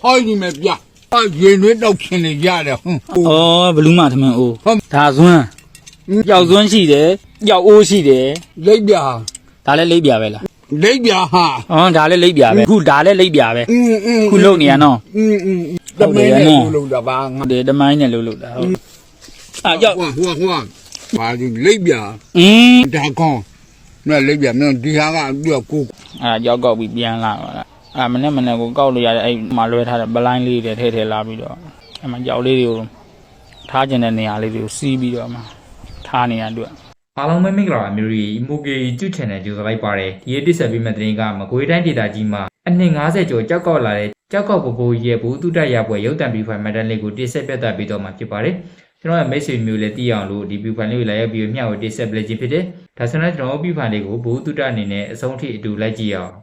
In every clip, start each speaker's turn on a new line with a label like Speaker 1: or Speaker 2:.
Speaker 1: ဟောဒီမဲ့ပြရေနွေးတော့ခင်နေရတယ်ဟုတ်
Speaker 2: ဘလူးမထမင်းအိုးဒါဇွန်းကြောက်ဇွန်းရှိတယ်ကြောက်အိုးရှိတယ်
Speaker 1: လိပ်ပြ
Speaker 2: ဒါလည်းလိပ်ပြပဲလား
Speaker 1: လိပ်ပြဟာ
Speaker 2: ဒါလည်းလိပ်ပြပဲခုဒါလည်းလိပ်ပြပဲခုလုံနေရနော်
Speaker 1: တမင်းနဲ့လုံတာပါ
Speaker 2: ဟုတ်တယ်တမိုင်းနဲ့လုံတာဟုတ်ကြောက်
Speaker 1: ဟိုပါဒီလိပ်ပြဒါကောင်းနဲ့လိပ်ပြမင်းဒီဟာကသူကကို
Speaker 2: ကြောက်ကောက်ပြီးပြန်လာပါလားမနေ့ကိုကောက်လို့ရတဲ့အဲ့မှာလွဲထားတဲ့ပလိုင်းလေးတွေထည့်လာပြီးတော့အဲ့မှာကြောက်လေးတွေကိုထားကျင်တဲ့နေရာလေးတွေကိုစီးပြီးတော့မှထားနေရအတွက်
Speaker 3: အားလုံးပဲမင်္ဂလာပါမျိုးရီမိုကေYouTube Channel ကြိုဆိုလိုက်ပါတယ်ဒီရက်တစ်ဆက်ပြီးမှတဲ့တင်ကမကွေးတိုင်းဒေသကြီးမှာအနှစ်90ကျော်ကြောက်ကောက်လာတဲ့ကြောက်ကောက်ပပိုးရဲ့ဘူးတုတရပွဲရုပ်တံပြီးဖိုင်မက်တန်လေးကိုတိဆက်ပြသပေးတော့မှာဖြစ်ပါတယ်ကျွန်တော်ရဲ့မိတ်ဆွေမျိုးလည်းသိအောင်လို့ဒီပြီးဖိုင်လေးကိုလာရောက်ပြီးမျှဝေတိဆက်ပေးခြင်းဖြစ်တယ်ဒါဆိုတော့ကျွန်တော်ပြီးဖိုင်လေးကိုဘူးတုတအနေနဲ့အဆုံးထိအတူလိုက်ကြည့်အောင်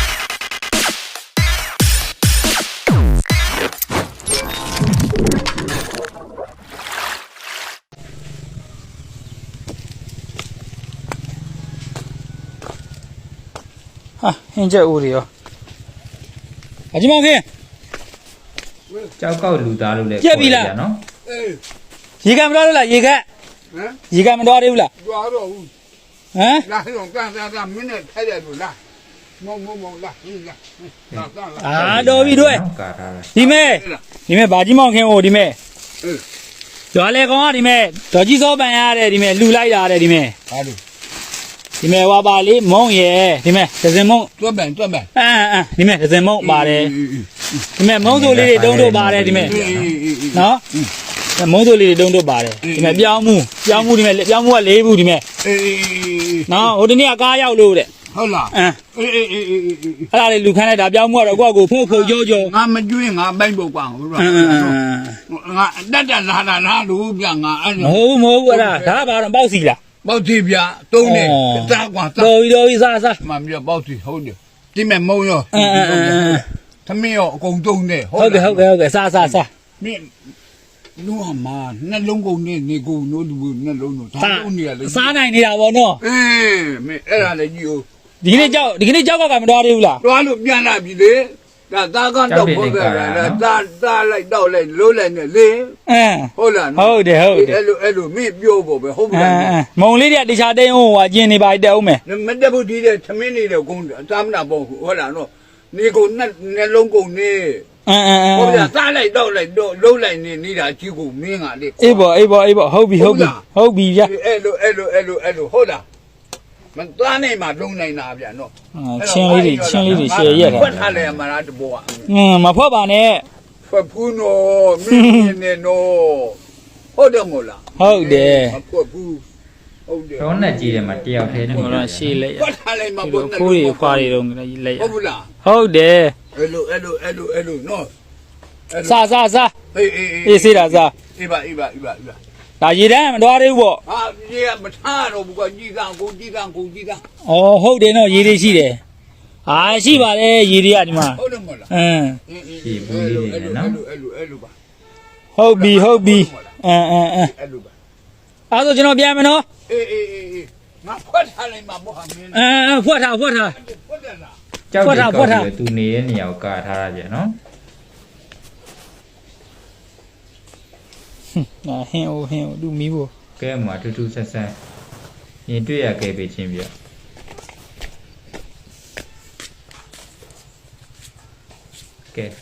Speaker 2: ဟင်းချက်ဦးတွေရောအကြီးမောင်ခင်
Speaker 3: ကြောက်ကောက်လူသားလို့လည်းပြောရနော်
Speaker 2: ရေကမတော်လို့လားရေကရေကမတော်သေးဘူးလား
Speaker 1: တော်တော့ဘူးလာတော့ကန်မင်းနဲ့ထိုက်တယ်လို့လားမုံလာ
Speaker 2: တော်ပြီတို့ဒီမဲ့ဘာကြီးမောင်ခင်ဟိုဒီမဲ့ကျွာလေကောင်ကဒီမဲ့ဒေါ်ကြီးစောပန်ရတယ်ဒီမဲ့လှူလိုက်တာတဲ့ဒီမဲ့
Speaker 1: ဟာလို့
Speaker 2: ဒီမဲ့ဝါပါလေးမုံရယ်ဒီမဲ့ဒဇင်မုံ
Speaker 1: တွတ်ပန်
Speaker 2: ဒီမဲ့ဒဇင်မုံပါတယ်ဒီမဲ့မုံစိုးလေးတွေတုံးတို့ပါတယ်ဒီမဲ့နော်မုံစိုးလေးတွေတုံးတို့ပါတယ်ဒီမဲ့ပြောင်းမှုဒီမဲ့ပြောင်းမှုက၄ဘူးဒီမဲ့နော်ဟိုတနေ့ကကားရောက်လို့တဲ့
Speaker 1: ဟုတ်လား
Speaker 2: အဲ့ဒါလေးလူခန်းလိုက်တာပြောင်းမှုကတော့ကိုယ့်ကိုဖုတ်ကြော
Speaker 1: ငါမကျွေးငါပိုက်ဖို့ကွာဟုတ်လားငါတက်လာလို့ပြငါအဲ့
Speaker 2: မဟုတ်ဘူးအဲ့ဒါဘာတော့ပေါက်စီလား
Speaker 1: ပေါက်စီပြတုံးနေစားကွာ
Speaker 2: တော်ပြီစား
Speaker 1: မှန်ပြပေါက်စီဟုတ်တယ်ဒီမဲ့မုံရောသမင်းရောအကုန်တုံးနေ
Speaker 2: ဟုတ်တယ်စား
Speaker 1: မင်းလူအမနှလုံးကုန်နေကုန်နိုးလူနှလုံးတော့ဒါလုံးနေရလေ
Speaker 2: စားနိုင်နေတာဗောနော်
Speaker 1: မင်းအဲ့ဒါလည်းကြည့်ဦး
Speaker 2: ဒီကနေ့ကြောက်ကမတော်သေးဘူးလား
Speaker 1: တော်လို့ပြန်လာပြီလေဒါသားကတော့ဘုရားသားလိုက်တော့လိုက်လို့လိုက်နေလေဟုတ်လား
Speaker 2: ဟုတ်တယ်
Speaker 1: အဲ့လိုမင်းပြောဖို့ပဲဟုတ်လား
Speaker 2: မုံလေးတွေကတခြားတင်းဟိုကျင်နေပါတက်အောင်မယ်
Speaker 1: မတက်ဘူးဒီတဲ့သမင်းနေတဲ့ကုန်းသားမနာပေါ့ဟုတ်လားနော်နေကုန်နှလုံးကုန်နေဟုတ်ပြီသားလိုက်တော့လိုက်လုံးလိုက်နေတာကြီးကိုမင်းကလေ
Speaker 2: အေးပေါ့ဟုတ်ပြီဗျာ
Speaker 1: အဲ့လိုဟုတ်လားမသားနိုင်မှလုံးနိုင်တာဗျာနော်
Speaker 2: ချင်းလေးတွေရှယ်ရက်တယ်
Speaker 1: ဖွက်ထားလိုက်ရမှာတဘော
Speaker 2: မဖွက်ပါနဲ့
Speaker 1: ဖွက်ဘူးနော်မင်းနေနော်ဟုတ်တယ်မို့လား
Speaker 2: ဟုတ်တယ်
Speaker 1: မဖွက်ဘူးဟုတ်တယ်
Speaker 3: ရောနဲ့ကြီးတယ်မှာတယောက်ထဲနဲ့
Speaker 2: ဟိုတော့ရှေ့လက်
Speaker 1: ဖွက်ထားလိုက်မှာ
Speaker 2: ခိုးတွေခွာတွေတော့လက်ရ
Speaker 1: ဟုတ်ဘူးလား
Speaker 2: ဟုတ်တယ်
Speaker 1: အဲ့လိုနော်
Speaker 2: စားအေးစေးတာစား
Speaker 1: အေးပါ
Speaker 2: ဒါရေတန်းမတော်သေးဘူးပေါ့
Speaker 1: ဟာရေကမထားတော့ဘူးကကြီးကကို
Speaker 2: ဟုတ်တယ်နော်ရေတွေရှိတယ်ရှိပါတယ်ရေတွေကဒီမှာ
Speaker 1: ဟုတ်တယ်မဟုတ်လား
Speaker 3: ရှိဘူးလေးတွေနော်
Speaker 1: အဲ့လိုပါ
Speaker 2: ဟုတ်ပြီ
Speaker 1: အဲ့လိုပါ
Speaker 2: အဲ့ဆိုကျွန်တော်ပြန်မယ်နော်
Speaker 1: အေးငါဖွက်ထားလိုက်မှာပေါ့ဟာမင်း
Speaker 2: ဖွက်ထား
Speaker 3: ကြောက်တယ်သူနေတဲ့နေရာကိုကာထားရပြန်နော်
Speaker 2: ဟင်းအိုသူမီးဖို့
Speaker 3: ကဲမှာထူးဆန်းရင်တွေ့ရခဲ့ပေးချင်းပြကဲ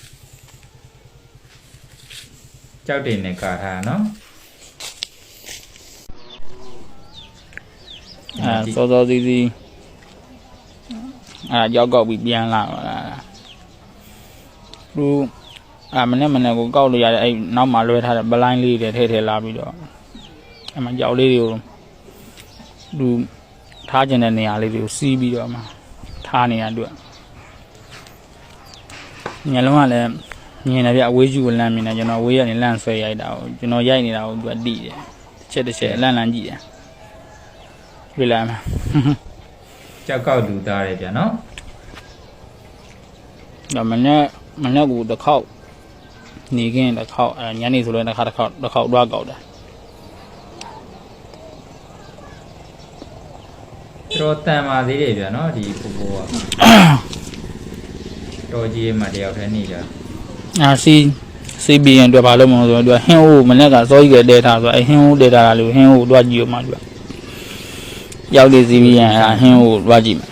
Speaker 3: ကြောက်တယ်နဲ့ကာထားနော်
Speaker 2: စောစီရောက်ကောက်ပြီးပြန်လာပါလားသူမနေ့ကိုကောက်လို့ရတဲ့အဲ့နောက်မှလွဲထားတဲ့ပလိုင်းလေးတွေထည့်လာပြီးတော့အဲ့မှာကြောက်လေးတွေကိုသူထားကျင်တဲ့နေရာလေးတွေကိုစီးပြီးတော့မှထားနေရအတွက်ညလုံးကလည်းမြင်တယ်ဗျအဝေးကျူကိုလမ်းမြင်တယ်ကျွန်တော်ဝေးကနေလမ်းဆွဲရိုက်တာကိုကျွန်တော်ရိုက်နေတာကိုသူကတိတယ်တစ်ချက်လမ်းကြည့်တယ်တွေ့လားမ
Speaker 3: ကြောက်ကောက်လူသားတယ်ဗျနော်
Speaker 2: ဒါမနေ့ကတစ်ခေါက်နေခင်းတစ်ခေါက်ညနေဆိုလည်းတစ်ခေါက်တွားကောက်တာ
Speaker 3: တော်တန်ပါသေးတယ်ဗျာနော်ဒီပူကတော်ကြီးမှတယောက်တည်းနေကြ
Speaker 2: စီဘီရင်တွေ့ဘာလို့မလို့ဆိုတော့ဟင်းဟိုမနေ့ကစောကြီးကတဲထားဆိုအဲဟင်းဟိုတဲထားတာလို့ဟင်းဟိုတွားကြည့်ရမှာသူရောက်လေစီဘီရင်အဲဟင်းဟိုတွားကြည့်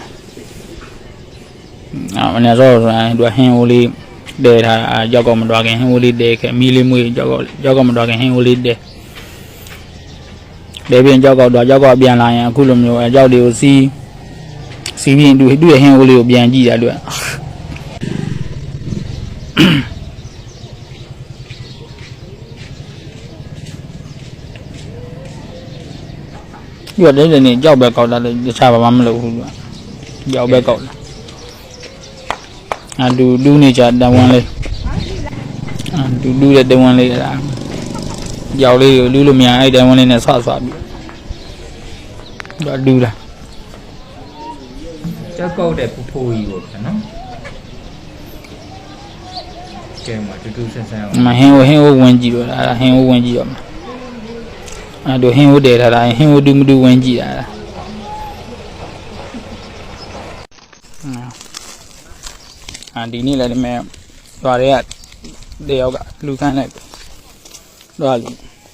Speaker 2: မှာမနေ့စောဆိုရင်သူဟင်းဟိုလေးတဲထားတာကြောက်ကောမတွားခင်ဟင်းဟိုလေးတဲခဲ့မီလေးမွေးကြောက်ကောမတွားခင်ဟင်းဟိုလေးတဲပြင်ကြောက်ကောတော့ကြောက်ကောပြန်လာရင်အခုလိုမျိုးအကြောက်တွေကိုစီဘီရင်သူ့ရဲ့ဟင်းဟိုလေးကိုပြန်ကြည့်တာသူဒီတော့နေကြောက်ပဲကောက်တာလေတခြားဘာမှမလုပ်ဘူးကြောက်ပဲကောက်တာဒူးနေကြတန်ဝမ်းလေးဒူးတဲ့တန်ဝမ်းလေးအဲ့ကြောက်လေးကိုလူးလို့မရအဲ့တန်ဝမ်းလေးနဲ့ဆွပြီးဒူးလာ
Speaker 3: ကြောက်ကောက်တဲ့ဖူဖူကြီးပေါ့ဗျာနော်ကဲမှာတူဆန်းဆန်းအောင်
Speaker 2: မဟင်းဟိုဝင်ကြည့်တော့အဲ့ဟင်းဟိုဝင်ကြည့်တော့အဲ့တို့ဟင်းဟိုတဲထားတာဟင်းဟိုတူမတူဝင်ကြည့်တာဒီနေ့လည်းဒီမဲ့သွားရဲတယောက်ကလူခန်းလိုက်တော့လူ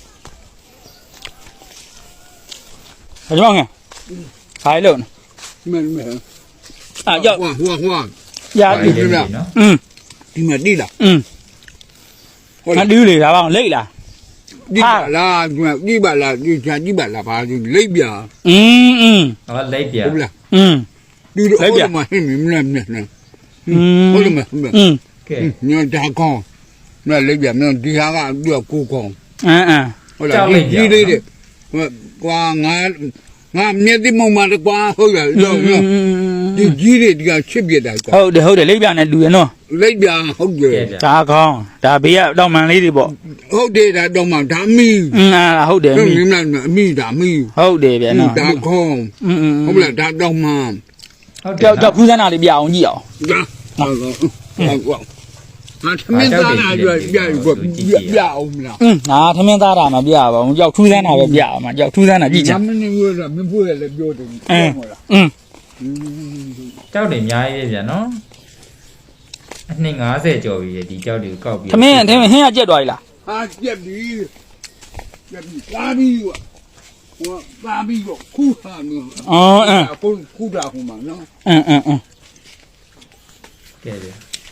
Speaker 2: အကြောင်းငယ်ခိုင်းလို့
Speaker 1: မဲ
Speaker 2: ကြောက်
Speaker 1: ဟွာ
Speaker 2: ရပြီ
Speaker 3: နော်
Speaker 1: ဒီမှာတိလား
Speaker 2: ဟုတ်လားတူးလေဒါပေါ့လိတ်လား
Speaker 1: ဒီပါလားဒီပါလားဘာဒီလိပ်ပြ
Speaker 3: ဟောလိပ်ပြ
Speaker 1: ဟုတ်လားဒီ
Speaker 2: လိပ်ပြ
Speaker 1: မဟင်းမင်းနဲ့ဟုတ်လား
Speaker 3: ကဲ
Speaker 1: ညတာကောင်းမလိပ်ပြမင်းဒီဟာကသူကကိုကောင်းဟုတ်လားဒီလေးတဲ့ကွာငါမြက်တိမုံမှာကွာဟုတ်လားဒီကြီးတွေဒီကချစ်ပြတာကွာ
Speaker 2: ဟုတ်တယ်လိပ်ပြနဲ့တူရနော်
Speaker 1: လိပ်ပြဟုတ်တယ်
Speaker 2: ဒါကောင်းဒါဘေးကတော့မှန်လေးတွေပေါ့
Speaker 1: ဟုတ်တယ်ဒါတော့မှဒါမီ
Speaker 2: ဟုတ်တယ်
Speaker 1: မီမင်းအမီဒါမီ
Speaker 2: ဟုတ်တယ်ဗျာနော်
Speaker 1: ဒါကောင်းဟုတ်လားဒါတော့မှ
Speaker 2: ဟုတ်တယ်ကြောက်ခူးစမ်းတာလေးပြအောင်ကြည့်အောင်
Speaker 1: ဟုတ်သမင်းသားနာပြအောင်မလား
Speaker 2: ငါသမင်းသားတာမပြပါဘူးကြောက်ထူးစမ်းတာပဲပြအောင်မကြောက်ထူးစမ်းတာကြည့်ချင်
Speaker 1: မင်းမျိုးကမင်းဖို့လည်းပြောတယ်
Speaker 2: ဟုတ်လား
Speaker 3: ကြောက်တယ်အများကြီးပဲဗျာနော်အနှစ်90ကျော်ပြီဒီကြောက်တွေကိုကောက်ပြီး
Speaker 2: သမင်းဟင်းကကြက်သွားပြီလား
Speaker 1: ဟာကြက်ပြီပါပြီဟိုပါပြီကိုခူးဟာနော်ခူးတာဟိုမှာနော်
Speaker 3: ကဲတယ်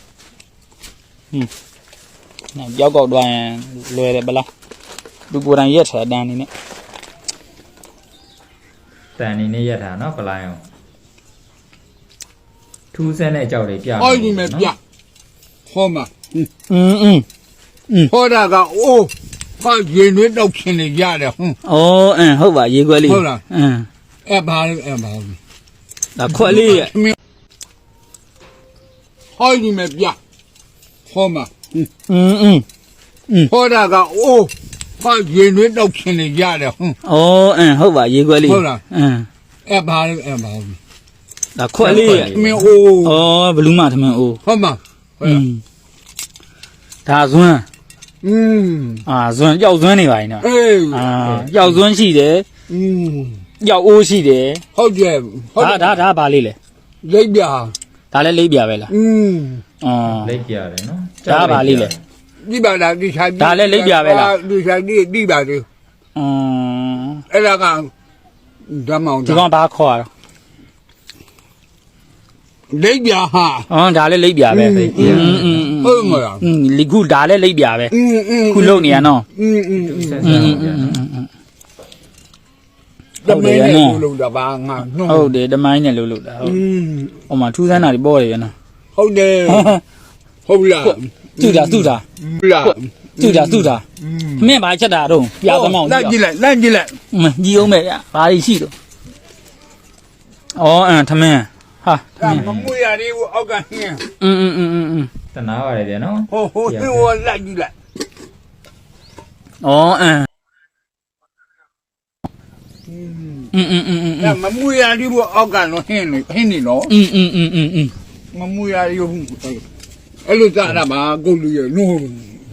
Speaker 2: ကြောက်ကောက်သွားရင်လွယ်တယ်ဘလားသူကိုယ်တိုင်ရက်ထားတန်းနေနဲ့
Speaker 3: တန်နေနဲ့ရက်ထားနော်ပလိုင်းအောင်ထူးဆန်းတဲ့ကြောက်တွေပြ
Speaker 1: ဟောဒီမဲ့ပြဟောမှာဟောတာကအိုးဟာရင်တွေတောက်ခင်နေရတယ်
Speaker 2: ဟုတ်ဟုတ်ပါရေခွက်လေး
Speaker 1: ဟုတ်လားအဲ့ဘာ
Speaker 2: ဒါခွက်လေးရဲ့
Speaker 1: ဟောဒီမဲ့ပြဟောမှာဟောတာကအိုးဟာရင်တွေတောက်ခင်နေရတယ်
Speaker 2: ဟုတ်ပါရေခွက်လေး
Speaker 1: ဟုတ်လားအဲ့ဘာ
Speaker 2: ဒါခွက်လေးရဲ့
Speaker 1: မင်းအိုး
Speaker 2: ဘလူးမသမင်းအိုး
Speaker 1: ဟုတ်မှာ
Speaker 2: ဒါဇွန်းဇွန်းကြောက်ဇွန်းနေပါရင်နော်ကြောက်ဇွန်းရှိတယ်ကြောက်အိုးရှိတယ်
Speaker 1: ဟုတ်တယ်
Speaker 2: ဒါဘာလေးလဲ
Speaker 1: လိပ်ပြ
Speaker 2: ဒါလည်းလိပ်ပြပဲလား
Speaker 3: လိပ်ပြတယ်နော်
Speaker 2: ဒါဘာလေးလဲ
Speaker 1: ဒီပါလားဒီဆိုင်
Speaker 2: ဒါလည်းလိပ်ပြပဲလား
Speaker 1: ဒီဆိုင်ဒီပါလေအဲ့ဒါကဓမ္မောင်
Speaker 2: ဒီကောင်ဘာခေါ်ရ
Speaker 1: လိပ်ပြဟာ
Speaker 2: ဒါလည်းလိပ်ပြပဲ
Speaker 1: ဟုတ်မလား
Speaker 2: လီခုဒါလည်းလိပ်ပြပဲခုလုံနေရနော်
Speaker 1: တမိုင်းနဲ့လုံတာပါငါ
Speaker 2: ဟုတ်တယ်တမိုင်းနဲ့လုံတာဟုတ်ဟိုမှာထူးဆန်းတာတွေပေါ်တယ်ရနော်
Speaker 1: ဟုတ်တယ်ဟုတ်လား
Speaker 2: သူတာမင်းဘာချက်တာတော့ပြသမောင်း
Speaker 1: လိုက်ကြည့်လိုက်
Speaker 2: ညီအောင်မယ်ဗျဘာတွေရှိတော့သမင်းဟာ
Speaker 1: မမွေရလေးကိုအောက်ကဟင်း
Speaker 3: တနာပါတယ်ဗျာနော်
Speaker 1: ဟိုလိုက်ကြည့်လိုက်မမွေရလေးကိုအောက်ကတော့ဟင်းနေနော်မမွေရလေးကိုအဲ့လိုစားတာပါကုတ်လူရနိုး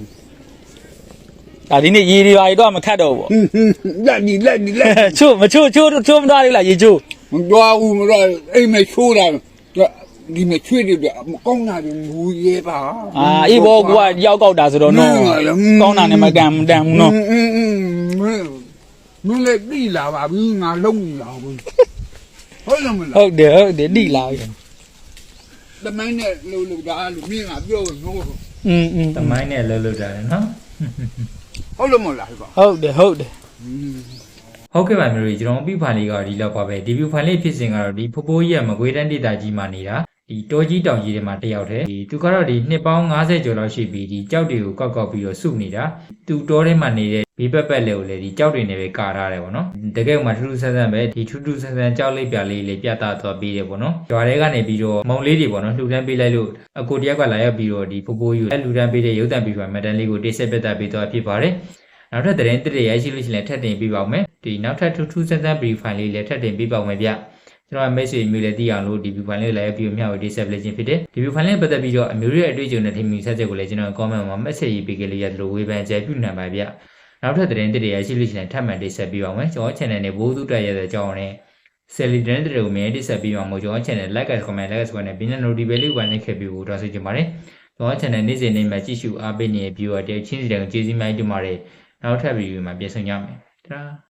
Speaker 2: ဒါဒီနေ့ရေတွေပါတော့မခတ်တော့ဘူး
Speaker 1: လက်
Speaker 2: ချို့မသွားသေးလားရေချို့
Speaker 1: မသွားဘူးမတော့အိမ်မချိုးတာဒီမဲ့ချွေးတွေမကောင်းတာတွေမူရဲပါ
Speaker 2: အေးဘောကိုကရောက်ကောက်တာဆိုတော့နော်ကောင်းတာနဲ့မကန်မတန်ဘူးနော်
Speaker 1: မင်းလည်းပြီလာပါဘူးငါလုံးနေလာဘူးဟုတ်လားမလား
Speaker 2: ဟုတ်တယ်တိလာပြီ
Speaker 1: တမိုင်းနဲ့လှုပ်တာလို့မင်းကပြောလို့
Speaker 3: တမိုင်းနဲ့လှုပ်တာလေနော်
Speaker 1: ဟုတ်လို့မလားကွာ
Speaker 2: ဟုတ်တယ်
Speaker 3: ဟုတ်ကဲ့ပါမျိုးကြီးကျွန်တော်ပြဖန်လေးကဒီလောက်ပါပဲဒီဗျူဖိုင်လေးဖြစ်စဉ်ကတော့ဒီဖိုးဖိုးကြီးရဲ့မကွေးတန်းဒေသကြီးမှာနေတာဒီတောကြီးတောင်ကြီးတွေမှာတယောက်တည်းဒီသူကတော့ဒီနှစ်ပေါင်း90ကျော်လောက်ရှိပြီဒီကြောက်တွေကိုကောက်ပြီးတော့စုနေတာသူတောထဲမှာနေတဲ့ဘေးပက်ပက်လေးကိုလေဒီကြောက်တွေနဲ့ပဲကာထားတယ်ပေါ့နော်တကယ်မှထူးထူးဆန်းဆန်းပဲဒီထူးထူးဆန်းဆန်းကြောက်လေးပြလေးလေးပြသသွားပြီးတယ်ပေါ့နော်ကြွားတွေကနေပြီးတော့မုံလေးတွေပေါ့နော်လှူဒန်းပေးလိုက်လို့အကိုတယောက်ကလာရောက်ပြီးတော့ဒီဖိုးဖိုးကြီးကိုလှူဒန်းပေးတဲ့ရုပ်သံပြီးပါမက်တန်လေးကိုတိဆက်ပြသပေးသွားဖြစ်ပါတယ်နောက်ထပ်သတင်းတစ်တွေရရှိလို့ရှိရင်ထပ်တင်ပေးပါဦးမယ်ဒီနောက်ထပ်ထူးထူးဆန်းဆန်း brief file လေးလည်းထပ်တင်ပေးပါဦးမယ်ဗျကျွန်တော် message မျိုးလည်းသိအောင်လို့ဒီ brief file လေးလည်းပြီးမျှဝေ display လုပ်ခြင်းဖြစ်တယ်ဒီ brief file လေးပတ်သက်ပြီးတော့အမျိုးရဲ့အတွေ့အကြုံနဲ့ထင်မြင်ဆက်ချက်ကိုလည်းကျွန်တော် comment မှာ message ရေးပေးကြလို့ရတယ်လို့ဝေဖန်ကြပြုနိုင်ပါဗျနောက်ထပ်သတင်းတစ်တွေရရှိလို့ရှိရင်ထပ်မံတင်ဆက်ပေးပါဦးမယ်ကျွန်တော် channel နဲ့ဘိုးသူတက်ရတဲ့အကြောင်းနဲ့ Sally သတင်းတွေကိုမြင်တင်ဆက်ပေးပါမို့ကျွန်တော် channel like comment like subscribe နဲ့ bell notification လေးကိုနှိပ်ခဲ့ပြီးတော့ဆွေးကြပါတယ်ကျွန်တော် channel နေ့စဉ်နေ့မှာကြည့်ရှုအားပေးနေတဲ့ viewer တွေချင်းစီတွေကိုကျေးဇူးများတင်ပါတယ်နောက်ထပ်ဗီဒီယိုမှာပြန်ဆုံကြမယ်တရာ